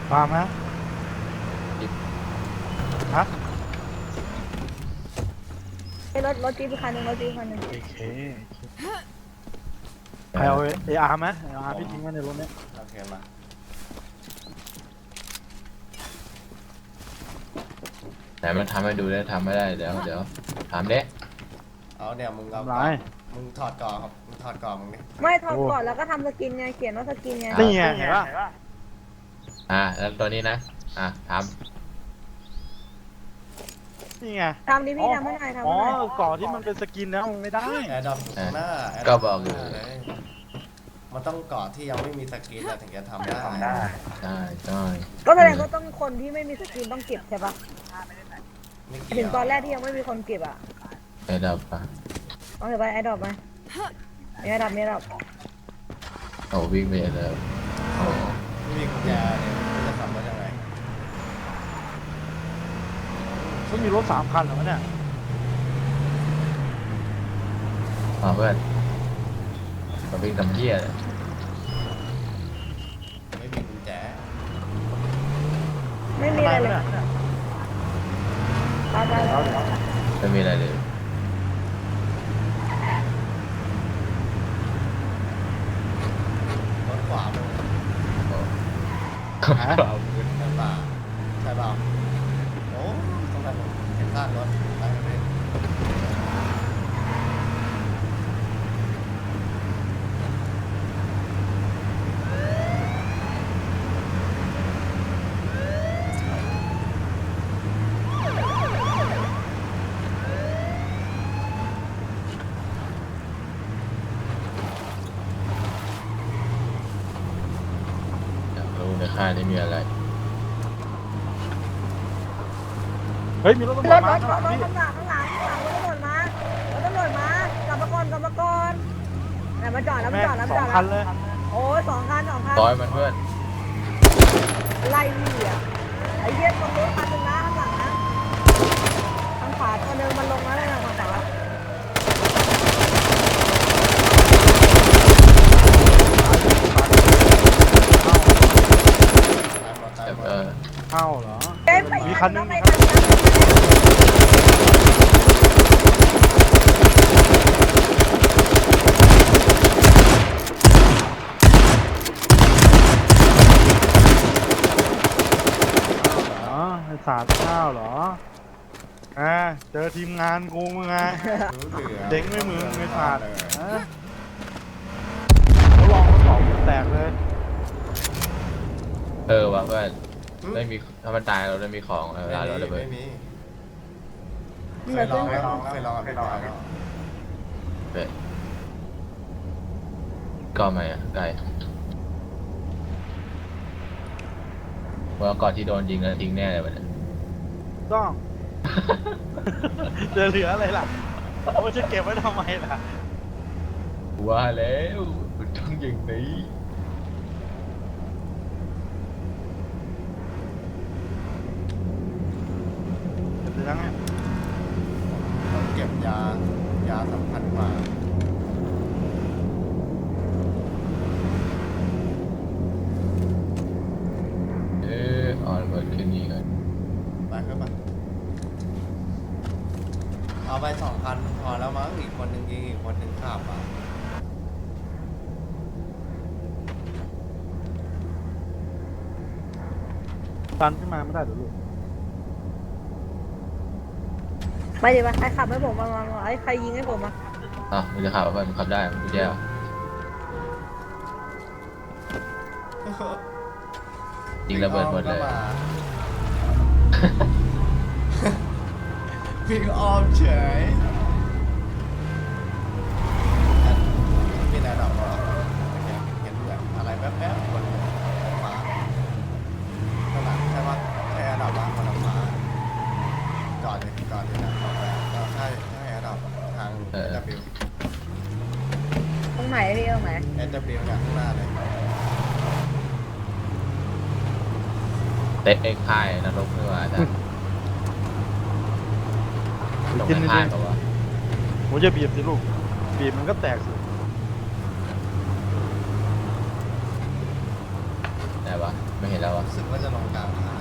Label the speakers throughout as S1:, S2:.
S1: ฟาร์มนะฮะ
S2: ไอ้รถจี๊ปคันหนึ่งรถจี๊ปคันหนึ่ง
S1: โอเคใครเอาเออาร์ไหมเออาร์พี่ทิ้งไว้ในรถเนี้ย
S3: โอเคมา
S4: แต่มันทำให้ดูได้ทำไม่ได้เดี๋ยวถามเด้
S3: เอาเนี่ยมึงเอา
S1: ทำไร
S3: มึงถอดก่อนครับมึงถอดก่อนมึงดิ
S2: ไม่ถอดก่อนแล้วก็ทำสกินไงเขียนว่าสกินไง
S1: นี่ไงเห็นป่ะ
S4: แล้วตัวนี้นะถาม
S1: นี่ไง
S2: ทำดิพี่ทำให้หน่อยทำ
S1: อ๋อ
S2: ให้หน่อย
S1: ก่อนที่มันเป็นสกินนะมันไม่ได้
S3: แอร์ดรอปหน้า
S4: ก็บอกอยู่
S3: มันต้องก่อนที่ยังไม่มีสกินแล้วถึงจะทำได้
S4: ใช่
S2: ก็แสดงว่าต้องคนที่ไม่มีสกินต้องเก็บใช่ปะ
S3: ไม่
S2: ถึ
S3: เกี่ย
S2: ง
S3: ว
S2: ตอนแรกที่ยังไม่มีคนเก็บอ่ะ
S4: ไอ้ดับปะ
S2: เอาเถอะไปไอ้ดอกมาไอ้ดอกไอ้ดอก
S4: โอ้วิ่งไปแล้วโอ้
S3: ไม่มีกุญแจเนี่ยมันจะทำได้ยังไง
S1: ก็มีรถ3 คันเหรอวะเนี่ย
S4: เพื่อนมาวิ่งทำเหี้ยเลย
S3: ไม่มีกุญแจ
S2: ไม่มีอะไรเลยตาย
S4: ไม่มีอะไรเลย
S3: รถขวามึง
S4: โอ้ครับ
S3: ใช่เปล่าใช่เปล่าโอ้ต้องทำเห็นข้างรถไปไม่ได้
S4: อยากรู้ในค่ายนี้มีอะไร
S1: เฮ้ยมีรถตำร
S2: ร
S1: วจ
S2: ถ
S1: มาข้างหลังพี่
S2: ข้างหลังรถตำรวจมารถตำรวจมากลับมาก่อนแต่มาจอดแล้วมา
S1: แม่
S2: จอดแล้ว
S1: ง
S2: มาจอด
S1: 2 คัน
S2: แล้ว
S1: เลย
S2: โอ้ย2 คัน
S4: ต่อยมันเพื่อน
S2: ไล่พี่อ่ะไอ้เหี้ยตรงนู้นคันหนึ่งนะข้างหลังนะทางขวาตัวหนึงมันลงแล้วนะทางขวา
S3: ตายหมด
S1: เข้าเหรอ
S2: เอ้ยไป
S1: มีคันหนึ่ง
S2: ไปทางนั้น
S1: อ๋อไอ้สารข้าวเหรอเจอทีมงานกูมึงไง
S3: รู้เหลือ
S1: เจ๊งไม่มึงไอ้สารเขาลองทดสอบแตกเลย
S4: ว่ะเพื่อนไม่มีถ้ามันตายเราได้มีของเวลาเราเลยเว้ย
S3: ไม่มี
S2: เหลือ
S3: เค
S2: เส้
S3: ย
S2: น
S3: ลองแล้ว
S4: เว้ยก็ไม่ไกลว่าก่อนที่โดนยิงแล้วทิ้งแน่เลยมัน
S1: ต้อง จะเหลืออะไรล่ะเขาจะเก็บไว้ทำไมล่ะ
S4: ว่าแล้วมันต้องอย่างนี้
S1: เก็บยังไง
S3: ต้องเก็บยาสำคัญกว่า
S4: เปิดขึ้นนี่กัน
S3: ไปเข้ามาเอาไป2,000พอแล้วมั้งอีกคนหนึ่งยิงอีกคนหนึ่งขับอ่ะ
S1: ตันขึ้นมาไม่ได้หรอลูก
S2: ไปดิวะใครขับให้ผมมาไอ้ใครยิงให้ผมมา
S4: มันจะขับเพื่อนมันขับได้มันกุญแจยิงระเบิดหมดเลย
S3: วิ่งอ้อมเฉยมีอะไรหรอกเห็นแบบอะไรแป๊บๆคนมาข้างหลังใช่ปะใช่แอร์ดรอปบ้างคนละฟ้าก่อนเลยนะออกไปก็ใช่แอร์ดรอปทาง SW
S2: ตรงไหนพี่ตรงไหน
S3: SW เนี่ยข้างหน้าเลย
S4: เตะเอ็กค่ายนรกด้วยอาจารย์ลง
S1: กิน
S4: ใน
S1: ดิ
S4: ค่ายเปล่าวะ
S1: ผมจะบีบสิลูกบีบมันก็แตกสิ
S4: ไไหนวะไม่เห็นแล้ววะ
S3: รู้สึกว่าจะลงกลางทาง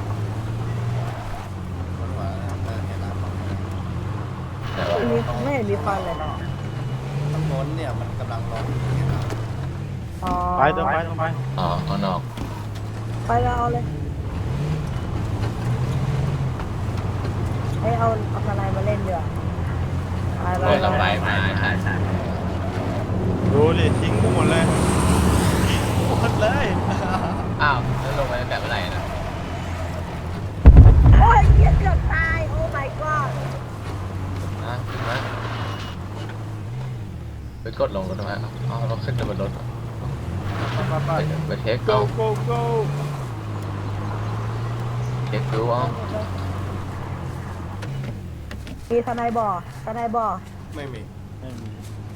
S3: บนหัวเห็นแล้ว
S4: ไหนวะ
S2: ไม่เห็นมีควันเลย
S3: ตรงโน้นเนี่ยมันกำลังลงเห็นแล้ว
S2: อ๋อ
S1: ไปเติมไปเติมไป
S4: อ๋อข้างนอก
S2: ไปแล้วเอาเลยเอาสไลด์มาเล่นเดี๋ยวไป
S4: โดนระบายมาใช่
S1: ดูดิทิ้งกูหมดเลยทิ้งกูหมดเลย
S4: อ้าวแล้วลงไปตั้งแต่เมื่อไหร่นะ
S2: โอ้ยเหี้ยเกือบตาย โอ้ my god
S4: นะไปกดลงรถทำไมอ๋อเราขึ้นไปบนรถ
S1: ไป
S4: ไปเทค
S1: go
S4: เอา
S1: go go
S4: เทคดูเอา
S2: มีทนายบ่อทนายบ่อ
S3: ไม่มี
S1: ไม่มี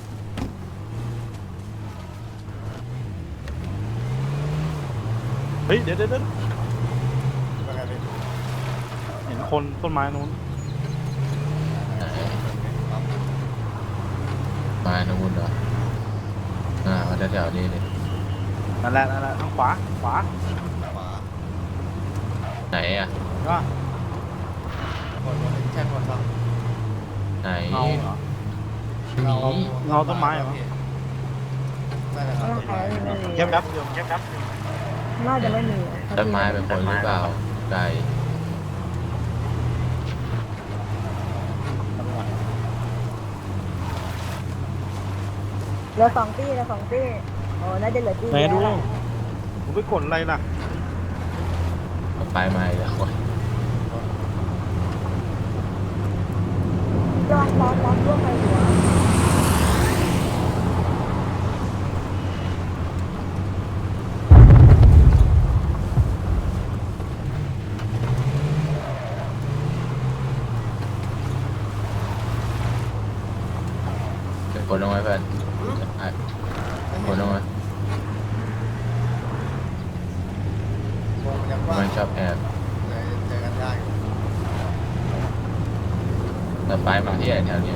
S1: เฮ้ยเดี๋ยว
S3: ว่าไงพี่
S1: เห็นคนต้นไม้นู้น
S4: มาหนุ่นเหรอมาแถวๆนี้เลย
S1: นั่นแหละทางขวา
S3: ขวา
S4: ไหนอ่ะ
S1: ก็
S3: คนแค่คนบ้าง
S4: ไหน
S1: เงาเหรอ
S4: หนี
S1: เงาต้นไม้เหรอ
S3: น่าจะเงาต้นไม้
S1: เก็บแป๊บเดียวเก็บแป๊บเดียว
S2: น่าจะไม่มี
S4: ต้นไม้เป็นคนหรือเปล่าไก่
S2: เหลือ2 ตี้โอ้น่าจะเหลือตี้
S1: ไหน
S2: เดียว
S1: ดู
S2: แหละ
S1: ผมไปกดอะไรล่ะ
S4: ไปมาอีกแล้วคน
S2: ลองร่วมไปหัว
S4: เป็นคนลงไหมเพื่อนคนลงไหม
S3: วงมันยังกว้าง
S4: มันชอบแอบ
S3: เจอกันยากอยู่
S4: แต่ไปมาที่แถวนี้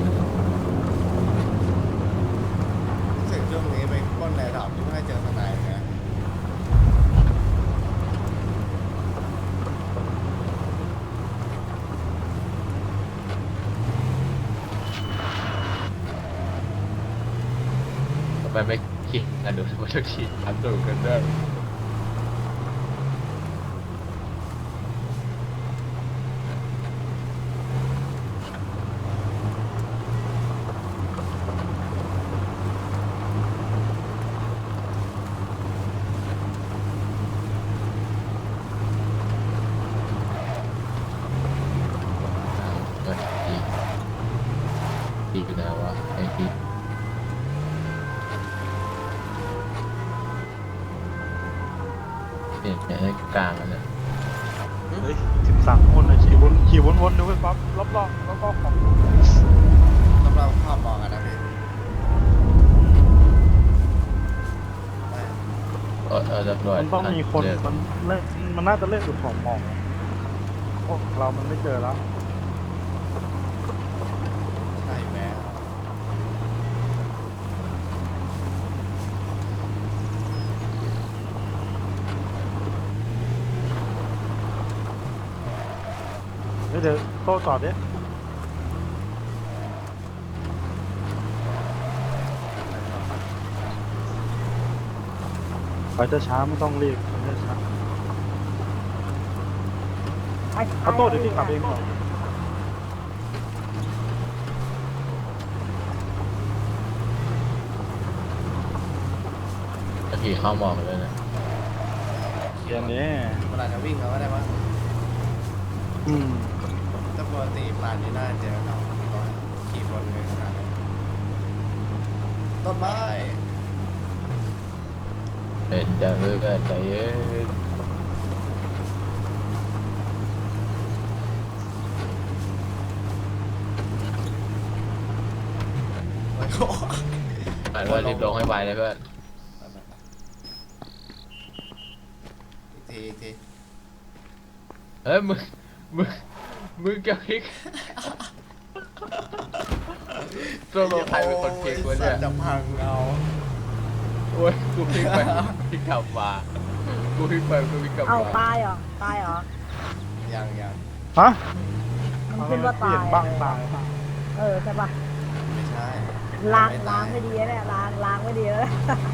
S3: รู้สึกช่วงนี้ไปปล้นในดอกที่ไม่ให้เจอทนายนะ
S4: ไปไม่คิดกันดูว่าจะคิดทำดูกันด้วยดีอยู่นะวะไอ้ที่เนี่ยให้กลางแล้วเนี่ย
S1: เฮ้ย13 คนเลยขี่วนดูไปปั๊บรอบๆแล้วก็ของ
S3: สำหรับภาพมองกันนะพี่
S4: ตำรวจ
S1: มันต้องมีคนมันน่าจะเล่นจุดของมองโอ้เรามันไม่เจอแล้ว
S3: ใช่แม้
S1: เดี๋ยวโต้จอดดิไปช้าๆไม่ต้องรีบไปช้าๆเอาโต้เดี๋ยวพี่ขับเองก่อน
S4: จะขี่เข้ามองเลยนะ
S1: เกียร์นี้
S3: เวลาจะวิ่งเราก็ได้ว่า
S1: อืม
S3: ถ้าปกติปลานนี้น่าจะเจอเราตอนขี่บนเลยนะต้นไม้
S4: เป็นจะเลิกใจเย็น
S3: โอ้ย
S4: อ่านว่ารีบลงให้ไวเลยเพื่อน
S3: อีกที
S4: เฮ้ยมึงกับพริกตัวลงใครเป็นคนพริกวะเนี่ย
S3: จะพังเอา
S4: โอ้ยกูพริกไปพริกกลับมากูวิ่งไปกูวิ่งกลับ
S2: เอา
S4: มา
S2: ตายเหรอตายเหรอ
S3: ยัง
S1: ฮะ
S2: มันขึ้นว่า
S1: เปลี่
S2: ตาย ย
S1: นบ้างตาย
S2: เออใช่ปะ
S3: ไม่ใช่
S2: ล้างไม่ดีนะเนี่ยล้างไม่ดีแล้ว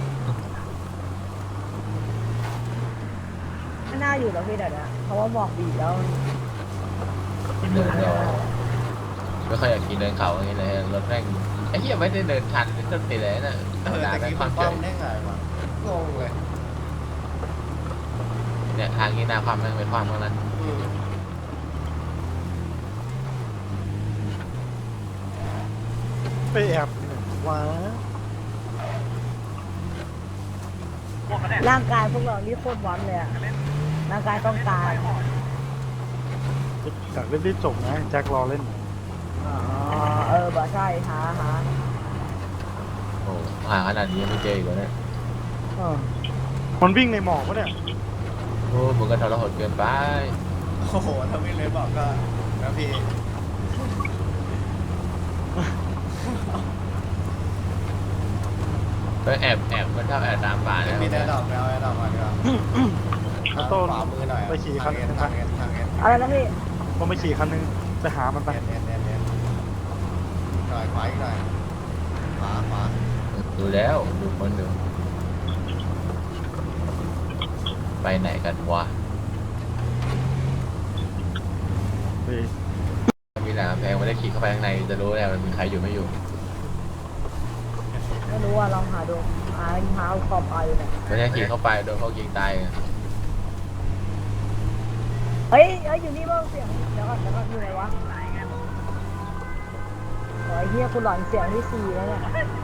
S2: ไม่น่าอยู่แล้วพี่เดี๋ยวนะเพราะว่าหมอกบีบแล้ว
S4: เดินเราไม่ค่อยอยากกินเดินเขาอย่างเงี้ยเลยรถแม่งไอ้เหี้ยไม่ได้เดินทันเป็นต้นตีเลยนะธรรมดา
S3: แต่
S4: ไม่
S3: กี้
S4: ควา
S3: มั
S4: ม
S3: น
S4: เฉ
S3: ป้อม
S4: ย
S3: ได้ไงวะงงเลย
S4: เนี่ยทางนี้หน้าความแม่งเป็นความเท่านั้น
S1: ไปแอบว้า
S2: ร่างกายพวกเรานี่โคตรวันเลยอะร่างกายต้องการ
S1: อยากเล่นรีบจบนะแจ็ครอเล่น
S2: อ๋อบ่ใช่หา
S4: โอ้หาขนาดนี้ยังไม่เจออีกแล้วเนี่ย
S1: มันวิ่งในหมอกปะเนี่ย
S4: โอ้มึงก็ทรหดเกินไป
S3: โอ้โหถ้าวิ่งเลยบอกก็นะพี่
S4: ก็แอบมันชอบแอบตามป่าเนี่ย
S3: มีแน่ดอกแล้วแน่ดอกมาดีกว่า
S1: เอาโต้
S3: ขวามือหน่อย
S1: ไปขี่คัน
S3: ทางเอ็น
S2: อะไรนะพี่
S1: ผมไปขี่คันนึงไปหามันไป
S3: เอ็นหน่อยขวาอีกหน่อยขวา
S4: ดูแล้วดูคนดูไปไหนกันวะ
S1: ไป
S4: มีหลามแพงไม่ได้ขี่เข้าไปข้างในจะรู้แล้วมันมีใครอยู่ไม่อยู่
S2: ไม่รู้ว่าลองหาดูหาขอบไปอยู่เนี่ย
S4: ไม่ได้ขี่เข้าไปโดนเขายิงตายไง
S2: เฮ้ยอยู่นี่บ้างเสียงเดี๋ยวก่อนอยู่ไหนวะโอ้ยเฮียกูหลอนเสียงที่4แล้วเนี่ย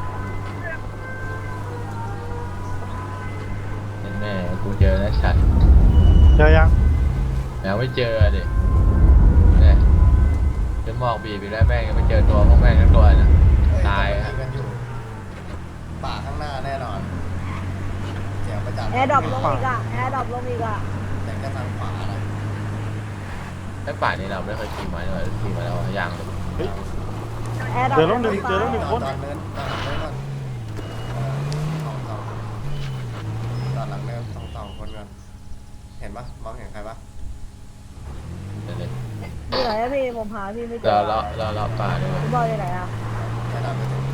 S4: แน่ๆกูเจอแล้วชัด
S1: เจอยัง
S4: แล้วไม่เจอดิเนี่ยจะมองบีบไปแล้วแม่งยังไม่เจอตัวพวกแม่งทั้งตัวน่ะตาย
S3: ฮะ
S4: ฮะ
S3: กันอยู่ป่าข้างหน้าแน่นอนเสียงประจัน
S2: แอร์ดรอปลงอีกอะ
S3: แต่ก็ทางขวาอะไร
S4: ไอ้ป่านี่เราไม่เคยขี่มาเลยขี่มาแล้วยางเลย
S1: เฮ้ย
S2: แอร์ดรอป
S1: เจอแล้วหนึ่งคน
S3: ตอนเนินก่อนตอนหลังเนินก่อนตอนหลังเนินสองคนก่อนเห็นปะมองเห็นใครปะ
S4: เดี๋ยวเลย
S2: อยู่ไหนอะพี่ผมหาพี่ไม่เจ
S4: เรา
S2: อ
S4: เราป่าด้วย
S2: พี่บอยอยู่ไหนอะ
S3: แนะนำไปถึง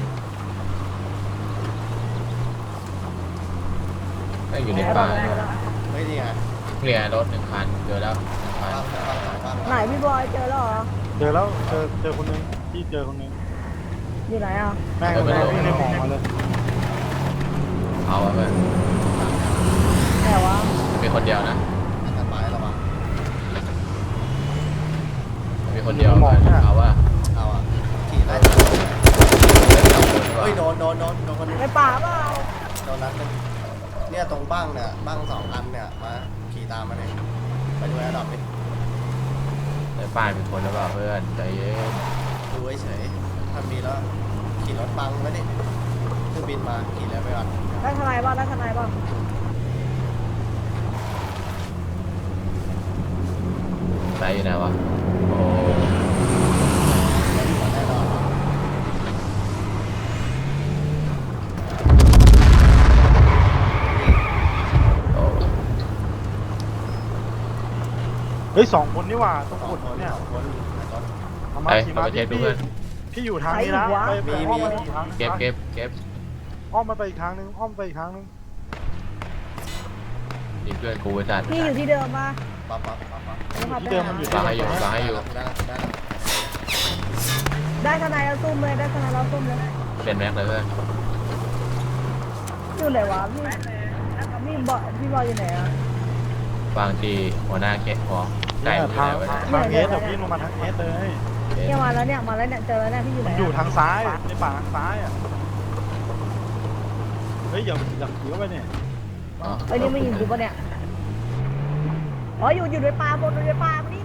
S4: ไม่อยู่ในป่าด้วย
S3: เฮ้ยนี่ไง
S4: เนี่ยรถ1 คันเจอแล้ว1 คัน
S3: บ้าง
S2: ไหนพี่บอยเจอแล้วเหรอ
S1: เจอแล้วเจอคนนึงที่เจอคนนึง
S2: อยู่ไหนอะ
S1: แม่งมันวิ่งในหมอกมาเลย
S4: เอาไป
S2: ไหนวะ
S4: มีคนเดียวนะ
S3: อันตรายระวัง
S4: มีคนเดียวเอาว่า
S3: เอาอ่ะขี่ไล่เฮ้ยโดนคนนึง
S2: ในป่าเปล่า
S3: โดนนัดนึงเนี่ยตรงบ้างเนี่ยบ้าง2 อันเนี่ยมาขี่ตามมาเลยไปดูแอร์ดรอปดิ
S4: ในป่ามีคนหรือเปล่าเพื่อนใจเย็น
S3: ดูเฉยๆถ้ามีแล้วขี่รถบังไว้ดิคือบินมาขี่เลยไปก่อน
S2: ได้ทนายบ้าง
S4: ใจอยู่ไหนวะโอ้
S3: แน่นอน
S4: โอ้
S1: เฮ้ย2 คนนี่หว่าต้องกด
S3: คน
S1: เนี่ย
S3: คน
S1: เอามา
S4: ไอ้
S1: ขี่
S4: เรา
S1: มา
S4: ไปเช็คดูเพื่อน
S1: พี่อยู่ทางนี้นะไปอ้อมมาอีกทาง
S4: เก็บ
S1: อ้อมมาไปอีกทางนึงอ้อมไปอีกทางนึง
S4: นี่เพื่อนกูไอ้สัตว์
S2: พี่อยู่ที่เดิมมา
S3: ปั๊บ
S1: ที่เดิมมันอยู่
S4: ฟังให้อยู่ฟังให้อยู่
S2: ได้ทนายแล้วซุ่มเลยได้ทนายแล้วซุ่มเลย
S4: เป็นแม็กเลยเพื่อน
S2: อยู่ไหนวะพี่พี่บอยอยู่ไหนอะ
S4: บางทีหัวหน้าแค่หอไก่
S1: เนี่ย
S4: อยู่
S1: ทาง
S4: ไหนวะ
S1: ทางเอสแต่พี่ลงมาทางเอสเลย
S2: เนี่ยมาแล้วเนี่ยเจอแล้วเนี่ยพี่อยู่ไหน
S1: มันอยู่ทางซ้ายในป่าทางซ้ายอ่ะเฮ้ยอย่าขี่เข้าไปเนี่ย
S2: เอ้ยนี่ไม่ยิงกูปะเนี่ยอ๋ออยู่ในป่าบนในป่ามานี่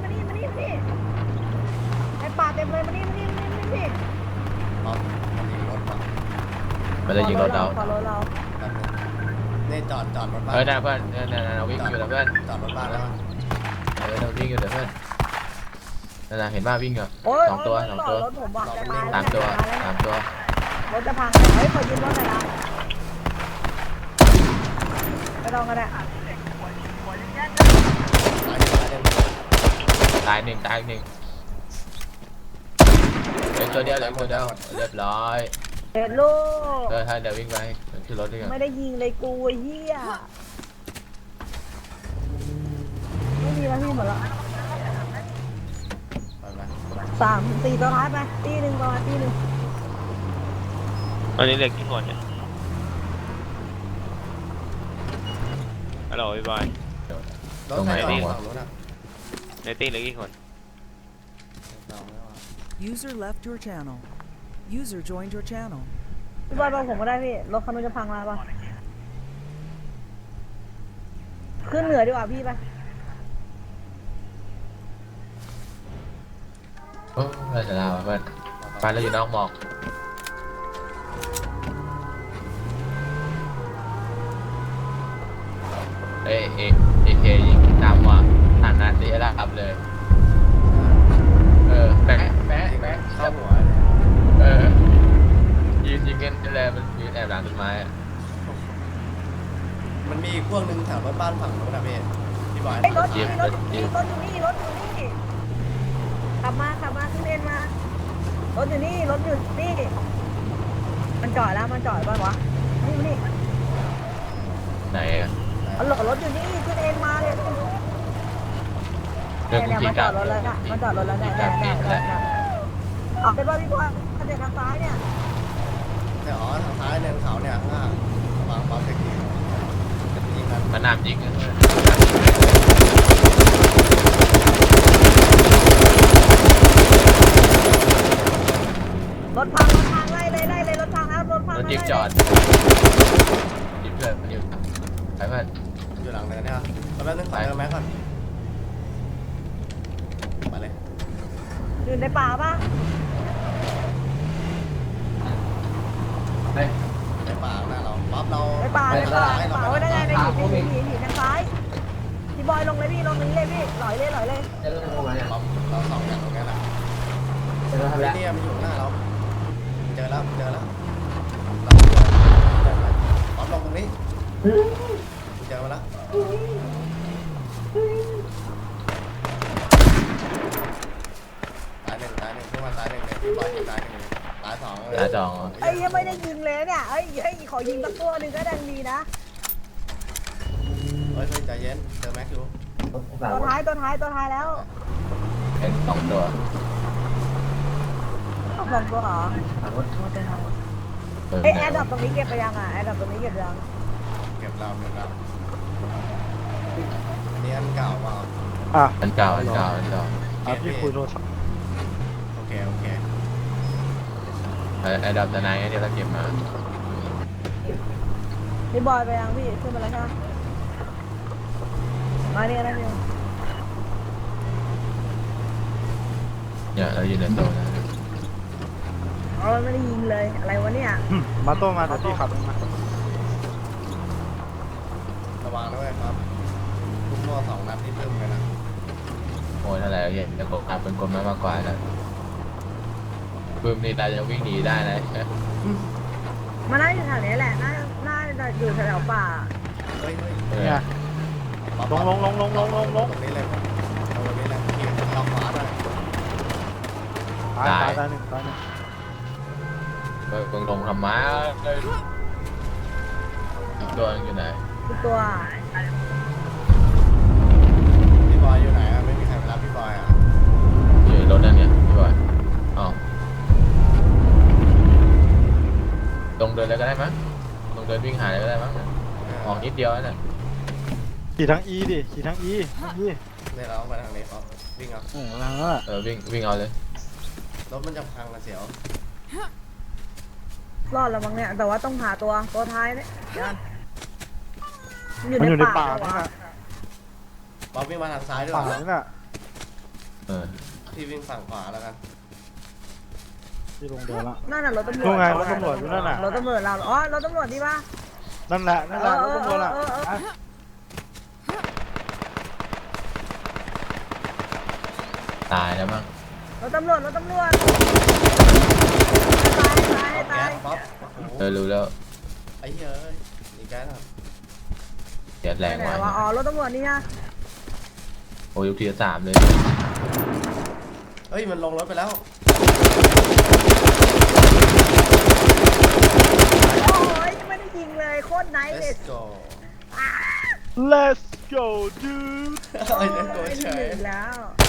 S2: ในป่าเต็มเลยมานี่
S3: ปั๊บยิงรถมา
S4: มันจะยิงรถเรา
S2: ขอรถเรา
S3: นี่จอดรถบ้าน
S4: นะเพื่อนเราวิ่งอยู่แล้วเพื่อน
S3: จอดรถบ้านแล้ว
S4: เราวิ่งอยู่เดี๋ยวเพื่อนนั่นนะเห็นบ้าวิ่งอยู่
S2: โอ้ย
S4: สองตัว
S2: รถผมว่ะจะตาย
S4: สามตัว
S2: รถจะพังเฮ้ยขอยืมรถหน่อยนะไม่ต้องก็ได้
S4: ตายหนึ่งเหลือตัวเดียวเรียบร้อย
S2: เด็ดลูก
S4: เดี๋ยววิ่งไปขึ้นรถด้วยกัน
S2: ไม่ได้ยิงเลยกูไอ้เหี้ยไม่มีแล้วพี่หมดแล้ว
S3: ไปไหม
S2: 3-4ตัวท้ายไปตีหนึ่งประมาณตีหนึ่ง
S5: ตอนนี้เหลือกี่คนเนี่ยฮัลโหลพี่บอย
S3: รถใครจอดฝั่งนู้นอ่ะ
S5: ในตี้เหลือกี่คน
S3: จอดไม่ว่า
S6: User left your channel. User joined your channel.
S2: พี่บอยบอกผมก็ได้พี่รถคันนู้นจะพังแล้วป่ะขึ้นเหนือดีกว่าพี่ไป
S4: โอ้เราจะลาเพื่อนไปแล้วอยู่นอกหมอกเเคยิงตามว่ะทางนั้นที่จะรับเลยแปะ
S3: เข้าหัวเลย
S4: ยิงกันเลยมันยืนแอบหลังต้นไม้อะ
S3: มันมีอีกพวกหนึ่งแถวรถบ้านฝั่งนู้นนะพี่บอย
S2: ไอ้รถอยู่นี่รถอยู่นี่ขับมาขึ้นเลนมารถอยู่นี่มันจอดแล้วมันจอดป่ะวะนี่
S4: ไหนอะ
S2: เอาหลบรถอยู่นี่ขึ้นเลนมาเลย
S4: เรื่อง
S2: เนี่ย
S4: กู
S2: มันจอดรถแล้วนะมันจอดรถแล้วเนี่ยออกไปบ้านพี่บอยเขาจะทางซ้ายเนี่ย
S3: แต่อ๋อทางซ้ายเนินเขาเนี่ยข้างล่างระวังปั๊มเทคนิคจะไปยิงกัน
S4: มันน้ำยิงอะ
S2: รถพังไล่เลยรถพังแล้วรถพัง
S4: รถจิ๊บจอดจิ๊บเพื่อนมันอยู่ไปเพื่อน
S3: อยู่หลังเนินเนี่ยเอาแป๊บนึงขอเติมแม็กก่อนมาเลย
S2: อยู่ในป่าป่ะ
S3: ในป่าหน้าเราปั๊บเรา
S2: ในป่าไว้ได้ไงในหินทางซ้ายพี่บอยลงเลยพี่ลงนี้เลยพี่หลอยเลย
S3: ปั๊บเราสองอย่างตรงนี้แหละนี่มันอยู่หน้าเราเจอแล้วปั๊บลงตรงนี้เจอมาแล้วตายหนึ่งพวกมันตายหนึ่งเลยพี่บอยยิงตายหนึ่งตายสองเลย
S4: ตาจอง
S2: ไอ้ยังไม่ได้ยิงเลยเนี่ยเอ้ยขอยิงสักตัวหนึ่งก็ดังดีนะ
S3: เฮ้ยใจเย็นเจอแม็กอยู่
S2: ตัวท้ายแล้ว
S4: เป็นสองตัว
S2: เอาสองตัวเหรอไอแอร์ดับตรงนี้เก็บไปยังอ่ะแอร์ดับตรงนี้เก็บยัง
S3: เก็บเราอันนี้อันเก่าเปล่า
S1: อ่ะ
S4: อันเก่า
S1: พี่คุยโทรศัพท์
S3: โอเค
S4: ไอ้ดับตะไนเดี๋ยวเราเก็บมา
S2: พี่บอยไปยังพี่ขึ้นมาแล้วใช่ไหมมาเนี่ยนะพี่
S4: เนี่ยเราอยู่ในโซนนะ
S2: เอาไม่ได้ยิงเลยอะไรวะเนี่ย
S1: มาโต้มาเดี๋ยวพี่ขับเองมา
S3: ระวังด้วยครับทุกโม่สองนัดที่เพิ่มเลยนะ
S4: โอ้ยอะไรเห็นจะกดอัพเป็นกลมากกว่าแล้วปืนนี่เราจะวิ่งหนีได้นะ
S2: มาน่าอยู่แถวนี้แหละน่าจะอยู่แถวป่า
S3: เฮ้ย
S1: เนี่ยลง
S3: ตรงนี้เลยตรงนี้เลยขี่ล็อกขวาหน่อย
S1: ตายหนึ่ง
S4: เบิ่งลงทำม้าเลยอีกตัวนึงอยู่ไหน
S2: คือตัว
S3: พี่บอยอยู่ไหนไม่มีใครไปรับพี่บอยอ่ะ
S4: อยู่ในรถนั่นเนี่ยพี่บอยอ๋อลงเดินเลยก็ได้มั้งลงเดินวิ่งหาเลยก็ได้มั้งออกนิดเดียวนั่น
S1: ขี่ทั้ง E ดิขี่ทั้ง E
S3: เนี่ยเราไปทางนี้ครับวิ่งเอา
S4: วิ่งเอาเลย
S3: รถมันจะพังนะเสียว
S2: รอดแล้วมั้งเนี่ยแต่ว่าต้องหาตัวท้ายเนี่ย
S1: มันอยู่ในป่า
S2: เนี่
S1: นี่
S2: ย
S1: นะ
S3: บ๊อบวิ่งมาทางซ้ายด้วย
S1: ป่านี่น่ะ
S3: ที่วิ่งฝั่งขวาแล้วกัน
S1: ที่ลงเดินละ
S2: นั่นน่ะรถตำรวจ
S1: นู่นไงรถตำรวจอยู่นั่นน่ะ
S2: รถตำรวจเราอ๋อรถตำรวจดีป่ะ
S1: นั่นแหละรถตำรวจละ
S4: ตายแล้วมั้ง
S2: รถตำรวจตาย
S3: บ๊อบ
S4: รู้แล้ว
S3: ไอ้เหี้ยอีกแก๊สอ่ะ
S4: เสียดแรง
S2: ไหน
S4: ไว้
S2: วะอ๋อรถตำรวจนี่ฮะ
S4: โอ้ยกทีละสามเลย
S3: เฮ้ยมันลงรถไปแล้ว
S2: โอ้ยไม่ได้ยิงเลยโคตรไนท์เลย
S3: let's go
S1: Let's go dude
S3: ไอ้เล่นตัวเฉย
S2: แล้ว